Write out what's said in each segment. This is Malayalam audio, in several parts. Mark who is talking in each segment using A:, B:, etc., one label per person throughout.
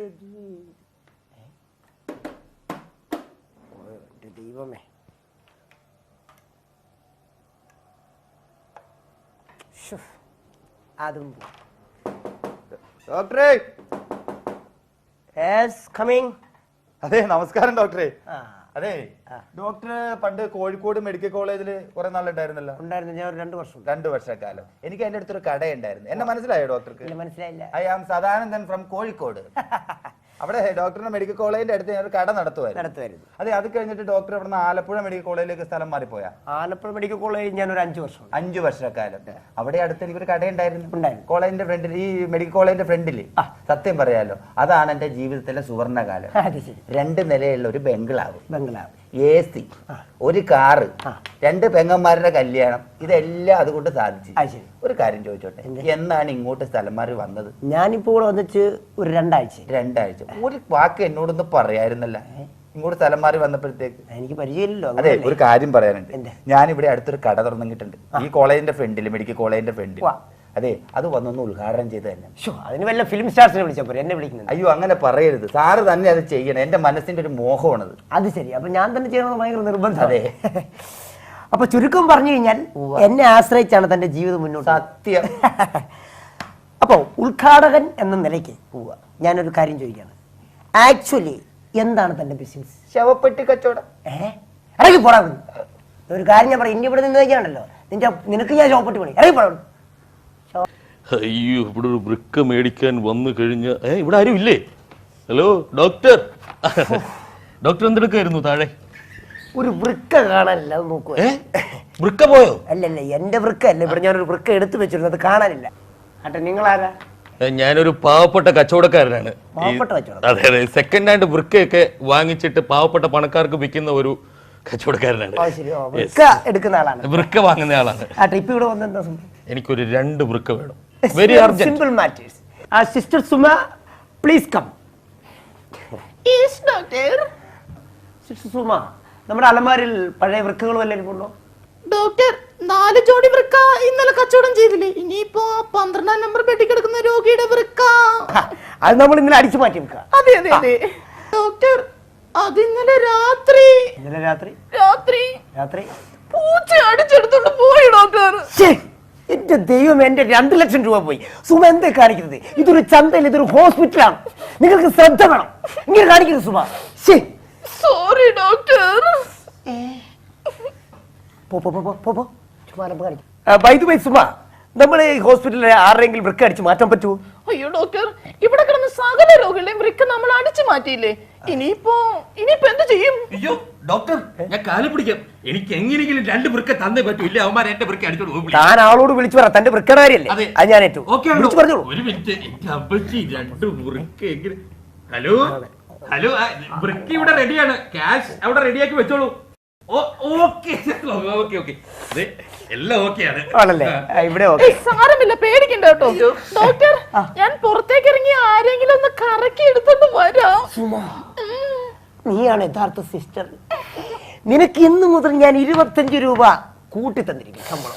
A: ദൈവമേ, അതും
B: ഡോക്ടറെ.
A: അതെ,
B: നമസ്കാരം ഡോക്ടറെ. അതെ, ഡോക്ടർ പണ്ട് കോഴിക്കോട് മെഡിക്കൽ കോളേജിൽ കുറെ നാളുണ്ടായിരുന്നല്ലോ.
A: ഉണ്ടായിരുന്നു. ഞാൻ 2 വർഷം
B: 2 വർഷക്കാലം. എനിക്ക് അതിന്റെ അടുത്തൊരു കടയുണ്ടായിരുന്നു. എന്നെ മനസ്സിലായോ ഡോക്ടർക്ക്?
A: മനസ്സിലായില്ല.
B: I am Sadanandan from Kozhikode. അവിടെ ഡോക്ടറിന്റെ മെഡിക്കൽ കോളേജിന്റെ അടുത്ത് ഞാൻ ഒരു കട നടത്തുമായിരുന്നു. അതെ, അത് കഴിഞ്ഞിട്ട് ഡോക്ടർ അവിടെ ആലപ്പുഴ മെഡിക്കൽ കോളേജിലേക്ക് സ്ഥലം മാറിപ്പോയാ.
A: ആലപ്പുഴ മെഡിക്കൽ കോളേജ് ഞാൻ ഒരു 5 വർഷം
B: 5 വർഷക്കാലം അവിടെ അടുത്ത് എനിക്കൊരു കടയുണ്ടായിരുന്നു. കോളേജിന്റെ ഫ്രണ്ടിൽ, ഈ മെഡിക്കൽ കോളേജിന്റെ ഫ്രണ്ടില്. സത്യം പറയാലോ, അതാണ് എന്റെ ജീവിതത്തിലെ സുവർണകാലം. 2 നിലയുള്ള ഒരു ബംഗ്ലാവ്, AC, ഒരു കാറ്, 2 പെങ്ങന്മാരുടെ കല്യാണം, ഇതെല്ലാം അതുകൊണ്ട് സാധിച്ചു. ഒരു കാര്യം ചോദിച്ചോട്ടെ, എന്നാണ് ഇങ്ങോട്ട് സ്ഥലം മാറി വന്നത്?
A: ഞാനിപ്പോ ഇവിടെ വന്നിട്ട് ഒരു 2 ആഴ്ച.
B: ഒരു വാക്ക് എന്നോടൊന്ന് പറയായിരുന്നല്ല ഇങ്ങോട്ട് സ്ഥലം മാറി വന്നപ്പോഴത്തേക്ക്?
A: എനിക്ക് പരിചയമില്ലല്ലോ.
B: അതെ, ഒരു കാര്യം പറയാനുണ്ട്. ഞാനിവിടെ അടുത്തൊരു കട തുറന്നിട്ടുണ്ട്, ഈ കോളേജിന്റെ ഫ്രണ്ടിൽ, മെഡിക്കൽ കോളേജിന്റെ ഫ്രണ്ടിൽ. അതെ, അത് വന്നൊന്ന് ഉദ്ഘാടനം ചെയ്ത് തന്നെ.
A: അതിന് വല്ല ഫിലിം സ്റ്റാർസിനെ വിളിച്ചപ്പോ എന്നെ വിളിക്കുന്നത്?
B: അയ്യോ, അങ്ങനെ പറയരുത്. സാറ് തന്നെ അത് ചെയ്യണം. എന്റെ മനസ്സിന്റെ ഒരു മോഹമാണത്.
A: അത് ശരി. അപ്പൊ ഞാൻ തന്നെ ചെയ്യണമെന്ന് ഭയങ്കര നിർബന്ധം. അതെ. അപ്പൊ ചുരുക്കം പറഞ്ഞു കഴിഞ്ഞാൽ എന്നെ ആശ്രയിച്ചാണ് തന്റെ ജീവിതം മുന്നോട്ട്.
B: സത്യം.
A: അപ്പൊ ഉദ്ഘാടകൻ എന്ന നിലയ്ക്ക് ഞാനൊരു കാര്യം ചോദിക്കാണ്. ആക്ച്വലി എന്താണ് തന്റെ ബിസിനസ്?
B: ശവപ്പെട്ടി കച്ചവടം.
A: ഇറങ്ങി പോടാ. ഒരു കാര്യം ഞാൻ പറയാം, ഇനി ഇവിടെ നിന്ന് കഴിക്കാണല്ലോ, നിനക്ക് ഞാൻ ശവപ്പെട്ടി പണി. ഇറങ്ങി പോടാ.
C: അയ്യോ, ഇവിടെ ഒരു വൃക്ക മേടിക്കാൻ വന്നു കഴിഞ്ഞ ഇവിടെ ആരും ഇല്ലേ? Hello doctor. ഡോക്ടർ എന്തെടുക്കായിരുന്നു താഴെ?
A: ഒരു വൃക്ക കാണാനില്ല, അത് നോക്കുക.
C: വൃക്ക പോയോ?
A: അല്ലല്ല, എന്റെ വൃക്ക അല്ല. ഇവിടെ ഞാനൊരു വൃക്ക എടുത്തു വെച്ചിരുന്നു, അത് കാണാനില്ല. അട്ടെ, നിങ്ങളാരാ?
C: ഞാനൊരു പാവപ്പെട്ട കച്ചവടക്കാരനാണ്. അതെ അതെ, സെക്കൻഡ് ഹാൻഡ് വൃക്കയൊക്കെ വാങ്ങിച്ചിട്ട് പാവപ്പെട്ട പണക്കാർക്ക് വിൽക്കുന്ന ഒരു കച്ചവടക്കാരനാണ്.
A: എടുക്കുന്ന ആളാണ്,
C: വൃക്ക വാങ്ങുന്ന ആളാണ്.
A: ഇപ്പൊ ഇവിടെ വന്നെന്താ? എനിക്കൊരു
C: 2 വൃക്ക വേണം. Very urgent.
A: Simple matters. Sister Suma, please come. Yes doctor. Sister Suma, നമ്മുടെ അലമാരിൽ പഴയ വൃക്കകൾ വല്ലതും ഉണ്ടോ?
D: ഡോക്ടർ, 4 ജോഡി വൃക്ക ഇന്നലെ കച്ചവടം ചെയ്തില്ലേ? ഇനിയിപ്പോ 12ാം നമ്പർ ബെഡിൽ കിടക്കുന്ന രോഗിയുടെ വൃക്ക
A: അത് നമ്മൾ ഇന്നലെ അടിച്ചു മാറ്റി വെക്കുക.
D: അതെ അതെ അതെ ഡോക്ടർ, അത് ഇന്നലെ രാത്രി പൂച്ച അടിച്ചെടുത്തോണ്ട് പോയി ഡോക്ടർ.
A: എന്റെ ദൈവം, എന്റെ 2 ലക്ഷം രൂപ പോയി. സുമ എന്താ കാണിക്കുന്നത്? ഇതൊരു ചന്തയിൽ, ഇതൊരു ഹോസ്പിറ്റലാണ്. നിങ്ങൾക്ക് ശ്രദ്ധ വേണം. ഇങ്ങനെ കാണിക്കുന്നത് സുമ.
D: Sorry doctor.
A: സുമ, നമ്മൾ ഈ ഹോസ്പിറ്റലിൽ ആരെങ്കിലും വൃക്ക അടിച്ച് മാറ്റാൻ പറ്റുമോ?
D: അയ്യോ ഡോക്ടർ, ഇവിടെ കിടന്ന സകല രോഗികളുടെയും വൃക്ക നമ്മൾ അടിച്ചു മാറ്റിയില്ലേ? ഇനിയിപ്പോ എന്ത് ചെയ്യും?
C: അയ്യോ ഡോക്ടർ, ഞാൻ കാല് പിടിക്കാം. എനിക്ക് എങ്ങനെയെങ്കിലും 2 വൃക്ക തന്നേ പറ്റൂ. ഇല്ല, അവന്മാർ എന്റെ വൃക്ക അടിച്ചോളൂ.
A: താൻ ആളോട് വിളിച്ചു പറ, തന്റെ വൃക്കടാരിയല്ലേ? അത് ഞാൻ ഏറ്റു.
C: ഒരു മിനിറ്റ്, എന്റെ അപ്പച്ചി 2 വൃക്ക എങ്ങനെ? ഹലോ ഹലോ, വൃക്ക ഇവിടെ റെഡിയാണ്. ക്യാഷ് അവിടെ റെഡിയാക്കി വെച്ചോളൂ. എല്ലാം ഓക്കെയാണ്.
D: സാരമില്ല, പേടിക്കണ്ട കേട്ടോ ഡോക്ടർ. ഞാൻ പുറത്തേക്ക് ഇറങ്ങി ആരെങ്കിലും ഒന്ന് കറക്കി എടുത്തോണ്ട് വരാം.
A: നീയാണ് യഥാർത്ഥ സിസ്റ്റർ. നിനക്ക് ഇന്ന് മുതൽ ഞാൻ 25 രൂപ കൂട്ടി തന്നിരിക്കും ശമ്പളം.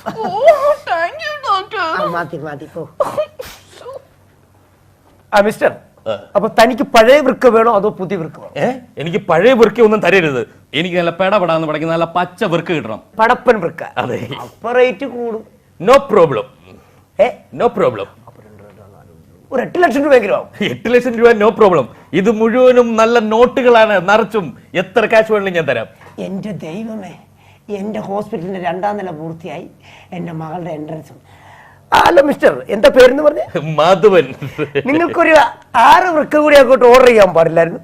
A: മിസ്റ്റർ, അപ്പൊ തനിക്ക് പഴയ വൃക്ക വേണോ അതോ പുതിയ വൃക്ക വേണോ?
C: എനിക്ക് പഴയ വൃക്ക ഒന്നും തരരുത്. എനിക്ക് നല്ല പെടപെടാന്ന് പഠിക്കുന്ന നല്ല പച്ച വൃക്ക കിട്ടണം.
A: പടപ്പൻ വൃക്ക.
C: അതെ.
A: അപ്പൊ റേറ്റ് കൂടും.
C: No problem. No problem.
A: ഒരു 8 ലക്ഷം രൂപയെങ്കിലും ആവും.
C: 8 ലക്ഷം രൂപ നോ പ്രോബ്ലം. ഇത് മുഴുവനും നല്ല നോട്ടുകളാണ്, നിറച്ചും. എത്ര കാശ് വേണമെങ്കിലും ഞാൻ തരാം.
A: എന്റെ ദൈവമേ, എന്റെ ഹോസ്പിറ്റലിന്റെ 2ാം നില പൂർത്തിയായി. എന്റെ മകളുടെ എൻട്രൻസും. ഹലോ മിസ്റ്റർ, എന്താ പേരെന്ന് പറഞ്ഞേ?
C: മാധവൻ.
A: നിങ്ങൾക്കൊരു 6 വൃക്ക കൂടി അങ്ങോട്ട് ഓർഡർ ചെയ്യാൻ പാടില്ലായിരുന്നു?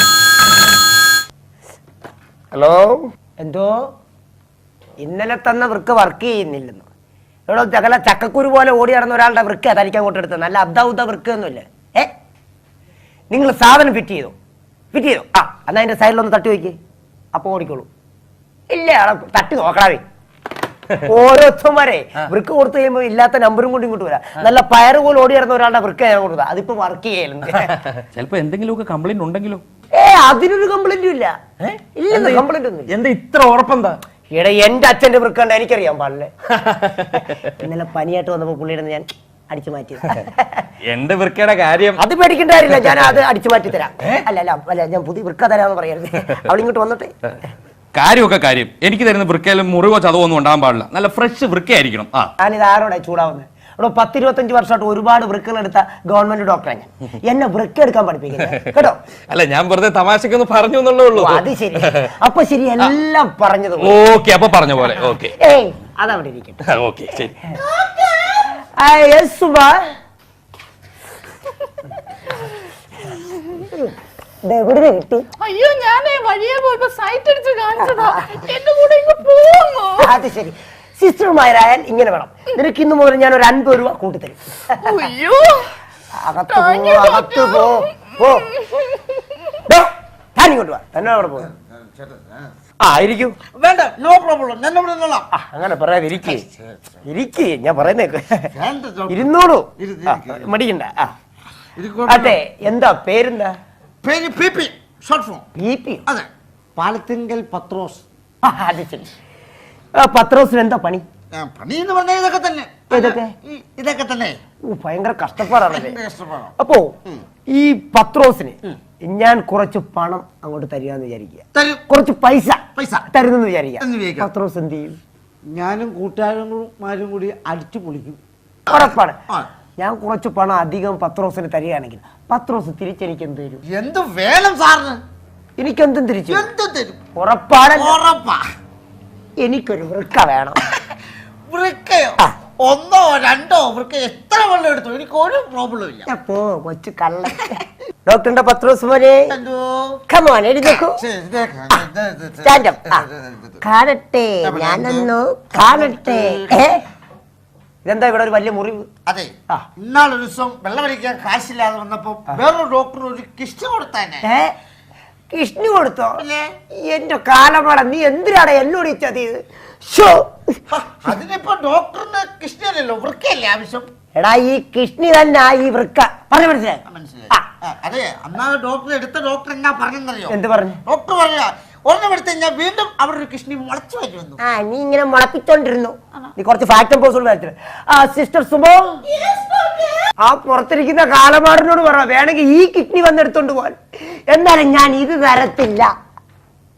A: ഹലോ, എന്തോ ഇന്നലെ തന്ന വൃക്ക വർക്ക് ചെയ്യുന്നില്ലെന്നോ? ഇവിടെ ചക്കക്കുരു പോലെ ഓടി നടന്ന ഒരാളുടെ വൃക്ക തനിക്ക് അങ്ങോട്ട് എടുത്തത്. നല്ല അബ്ദാ വൃക്ക ഒന്നുമില്ല. നിങ്ങൾ സാധനം ഫിറ്റ് ചെയ്തോ? എന്നാ അതിന്റെ സൈഡിലൊന്ന് തട്ടി വയ്ക്കേ, അപ്പൊ ഓടിക്കോളൂ. ഇല്ല, തട്ടി നോക്കണേ. ഓരോരുത്തന്മാരെ വൃക്ക കൊടുത്തു കഴിയുമ്പോ ഇല്ലാത്ത നമ്പറും കൊണ്ട് ഇങ്ങോട്ട് വരാം. നല്ല പയറ് പോലെ ഓടി നടന്ന ഒരാളുടെ വൃക്ക ഞാൻ കൊടുത്തത്. അതിപ്പോ വർക്ക് ചെയ്യലുണ്ട്.
C: ചിലപ്പോ എന്തെങ്കിലുമൊക്കെ കംപ്ലൈന്റ് ഉണ്ടെങ്കിലോ?
A: അതിനൊരു കംപ്ലൈന്റും ഇല്ല. ഇല്ല, കംപ്ലൈന്റ് ഒന്നും.
C: എന്താ ഇത്ര ഉറപ്പെന്താ?
A: എന്റെ അച്ഛന്റെ വൃക്ക എനിക്കറിയാൻ പാടില്ലേ? ഇന്നലെ പനിയായിട്ട് വന്നപ്പോ പുള്ളിയുടെ ഞാൻ അടിച്ചു മാറ്റി.
C: എന്റെ വൃക്കയുടെ കാര്യം
A: അത് പേടിക്കേണ്ട കാര്യമില്ല, ഞാൻ അത് അടിച്ചു മാറ്റി തരാം. അല്ല ഞാൻ പുതിയ വൃക്ക തരാമെന്ന് പറയരുത്. അവളിങ്ങോട്ട് വന്നിട്ട്.
C: കാര്യമൊക്കെ കാര്യം. എനിക്ക് തരുന്ന വൃക്കയിലും മുറിവോ ചതവോ ഒന്നും ഉണ്ടാകാൻ പാടില്ല. നല്ല ഫ്രഷ് വൃക്കയായിരിക്കണം.
A: ഞാനിത് ആരോടെ ചൂടാവുന്നത്? ഇവിടെ 10-25 വർഷമായിട്ട് ഒരുപാട് വൃക്കകൾ എടുത്ത ഗവൺമെന്റ് ഡോക്ടറാണ് ഞാൻ. എന്നെ വൃക്ക എടുക്കാൻ പഠിപ്പിക്കുന്നത് കേട്ടോ.
C: അല്ല, ഞാൻ വെറുതെ തമാശക്കൊന്ന് പറഞ്ഞു എന്നുള്ളേ ഉള്ളൂ.
A: അത് ശരി. അപ്പൊ ശരി, എല്ലാം പറഞ്ഞത്
C: ഓക്കെ. അപ്പൊ പറഞ്ഞ പോലെ ഓക്കെ.
A: അതവിടെ ഇരിക്കട്ടെ.
C: ഓക്കെ, ശരി.
A: കിട്ടി.
D: അയ്യോ, ഞാനേ വഴിയെ പോയപ്പോ സൈറ്റ് അടിച്ച് കാണിച്ചതാ. എന്റെ കൂടെ ഇങ്ങ് പോന്നു.
A: അത് ശരി. സിസ്റ്റർമാരായാൽ ഇങ്ങനെ വേണം. നിനക്ക് ഇന്ന് മുതൽ ഞാൻ ഒരു 50 രൂപ കൂട്ടിത്തരും.
D: അയ്യോ,
A: അകത്ത് പോ. ഇങ്ങോട്ട് വാ. തന്നെ അവിടെ പോ. ഇരിക്കൂ.
B: വേണ്ട, നോ പ്രോബ്ലം. ഞാൻ ഇവിടെ നിന്നോളാം.
A: അങ്ങനെ പറയാതെ ഇരിക്കേ. ഞാൻ പറയുന്നേക്ക്. ഇരുന്നോളൂ, മടിക്കണ്ട. അതെ, എന്താ പേരെന്താ?
B: പേര് PP, ഷോർട്ട് ഫോം.
A: PP?
B: അതെ, പാലത്തിങ്കൽ പത്രോസ്.
A: അത് ശരി. പത്രോസിന് എന്താ പണി?
B: പണി എന്ന് പറഞ്ഞാൽ ഇതൊക്കെ തന്നെ. ഇതൊക്കെ തന്നെ.
A: ഭയങ്കര കഷ്ടപ്പാടാണല്ലേ. അപ്പോ ഈ പത്രോസിന് ഞാൻ കുറച്ച് പണം അങ്ങോട്ട് തരികയെന്ന് വിചാരിക്കുക. കുറച്ച് പൈസ തരുന്നെന്ന് വിചാരിക്കുക. പത്രോസ് എന്ത് ചെയ്യും?
B: ഞാനും കൂട്ടുകാരന്മാരും കൂടി അടിച്ചു പൊളിക്കും.
A: ഉറപ്പാണ്. ഞാൻ കുറച്ച് പണം അധികം പത്രോസിന് തരികയാണെങ്കിൽ പത്രോസ് തിരിച്ചെനിക്ക് എന്ത് തരും?
B: എന്ത് വേണം സാറിന്?
A: എനിക്കെന്തും തിരിച്ചു
B: തരും.
A: ഉറപ്പാണ്. എനിക്കൊരു വൃക്ക വേണം.
B: വൃക്കയോ? 1 or 2 വൃക്ക എത്ര വെള്ളം എടുത്തു, എനിക്ക് ഒരു പ്രോബ്ലം ഇല്ല.
A: പോ കൊച്ചു കള്ള. ഡോക്ടറിന്റെ പത്രോസ് മോനെ, എഴുന്നേക്കൂ. കാണട്ടെ, ഞാനൊന്നു കാണട്ടെ. ഇതെന്താ ഇവിടെ ഒരു വലിയ മുറിവ്?
B: അതെ, ഇന്നാളൊരു ദിവസം വെള്ളം അടിക്കാൻ കാശില്ലാതെ വന്നപ്പോ വേറൊരു ഡോക്ടർ ഒരു കിഷ്ണി കൊടുത്തേനെ.
A: കിഷ്ണി കൊടുത്തോ? എന്റെ കാലമാട, നീ എന്തിനാണ് എന്നോട് ഈ ചതിയത്?
B: അതിനിപ്പോ ഡോക്ടറിന് കിഷ്ണിയല്ലല്ലോ, വൃക്കയല്ലേ ആവശ്യം.
A: എടാ, ഈ കിഷ്ണി തന്നെ ഈ വൃക്ക. പറഞ്ഞു മനസ്സിലായി?
B: അതെ, അന്നാ ഡോക്ടർ എടുത്ത ഡോക്ടർ എന്നാ പറഞ്ഞെന്നറിയോ?
A: എന്ത് പറഞ്ഞു?
B: ഡോക്ടർ പറയാ, ഒരെണ്ണം എടുത്ത് കഴിഞ്ഞാൽ വീണ്ടും അവിടെ ഒരു കിഷ്ണി മുളച്ചു വരുന്നു.
A: നീ ഇങ്ങനെ മുളപ്പിച്ചോണ്ടിരുന്നു. നീ കുറച്ച് ഫാക്ടം പോസ്റ്റ് വരത്തില്ല. സിസ്റ്റർ സുമോ, ആ പുറത്തിരിക്കുന്ന കാലമാടിനോട് പറ, വേണമെങ്കിൽ ഈ കിഡ്നി വന്നെടുത്തോണ്ട് പോവാൻ. എന്നാലും ഞാൻ ഇത് തരത്തില്ല.